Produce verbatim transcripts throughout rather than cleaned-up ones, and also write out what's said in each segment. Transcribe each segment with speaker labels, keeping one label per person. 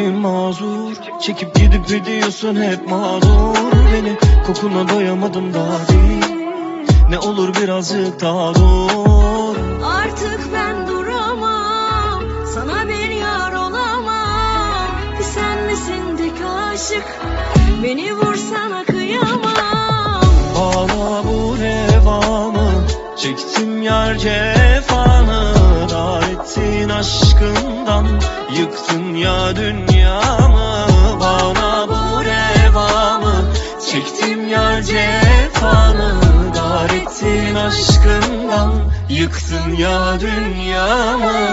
Speaker 1: gönlüm mazur, çekip gidip gidiyorsun hep mağdur. Beni kokuna doyamadım daha değil, ne olur birazcık daha dur.
Speaker 2: Artık ben duramam, sana bir yar olamam. Sen misin tek aşık, beni vursana kıyamam.
Speaker 1: Bana bu revamı, çektim yar cefanı. Dar ettin aşkından, yıktın ya dünyamı. Bana bu revamı, çektim yar cefanı. Dar ettin aşkından, yıktın ya dünyamı.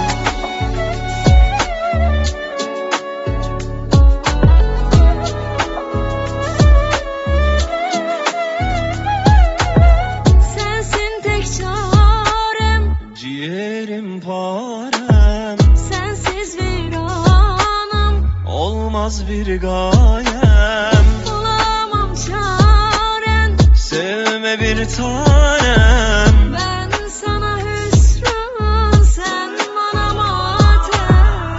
Speaker 2: Sensin tek çarem,
Speaker 1: Ciğerim parem,
Speaker 2: sensiz viranım.
Speaker 1: olmaz bir gayem.
Speaker 2: Bulamam çaren,
Speaker 1: Sevme bir tanem,
Speaker 2: ben sana hüsran, sen bana matem.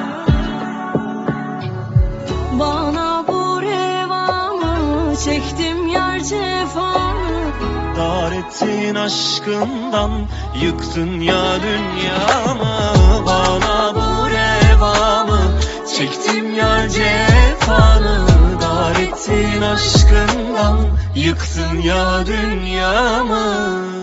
Speaker 2: Bana bu revamı, çektim yar cefanı.
Speaker 1: dar ettin aşkından, yıktın ya dünyamı. Bana bu revamı, çektim ya cefanı. Dar ettin aşkından, yıktın ya dünyamı.